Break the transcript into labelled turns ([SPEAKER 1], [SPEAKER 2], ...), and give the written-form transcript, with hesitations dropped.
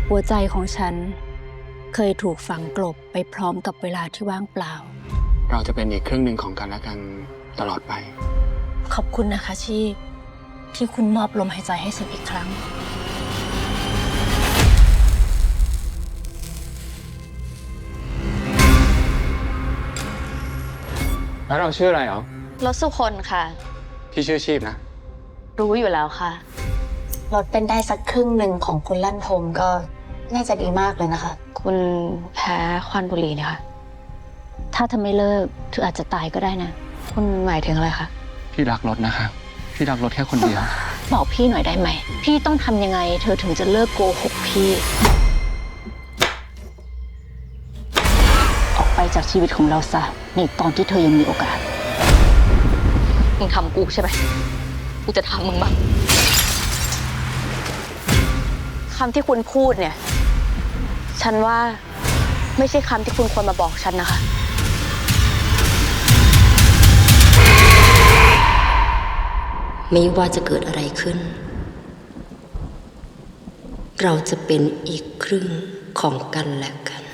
[SPEAKER 1] หัวใจของฉันเคยถูกฝังกลบไปพร้อมกับเวลาที่ว่างเปล่า
[SPEAKER 2] เราจะเป็นอีกครึ่งหนึ่งของกันและกันตลอดไป
[SPEAKER 1] ขอบคุณนะคะชีพที่คุณมอบลมหายใจให้ฉันอีกครั้ง
[SPEAKER 2] แล้วเราชื่ออะไรเหรอ
[SPEAKER 3] รถสุคนค่ะ
[SPEAKER 2] พี่ชื่อชีพนะ
[SPEAKER 3] รู้อยู่แล้วค่ะ
[SPEAKER 4] ลดเป็นได้สักครึ่งหนึ่งของคุณลั่นทมก็น่าจะดีมากเลยนะคะ
[SPEAKER 3] คุณแพ้ควันบุหรี่เนี่ยค่ะ
[SPEAKER 1] ถ้าเธอไม่เลิกเธออาจจะตายก็ได้นะ
[SPEAKER 3] คุณหมายถึงอะไรคะ
[SPEAKER 2] พี่รักรถนะคะพี่รักรถแค่คนเดียว
[SPEAKER 1] บอกพี่หน่อยได้ไหมพี่ต้องทำยังไงเธอถึงจะเลิกโกหกพี่ออกไปจากชีวิตของเราซะในตอนที่เธอยังมีโอกาส
[SPEAKER 3] มึงทำกูใช่ไหมกูจะทำมึงบ้างคำที่คุณพูดเนี่ยฉันว่าไม่ใช่คำที่คุณควรมาบอกฉันนะคะ
[SPEAKER 4] ไม่ว่าจะเกิดอะไรขึ้น เราจะเป็นอีกครึ่งของกันและกัน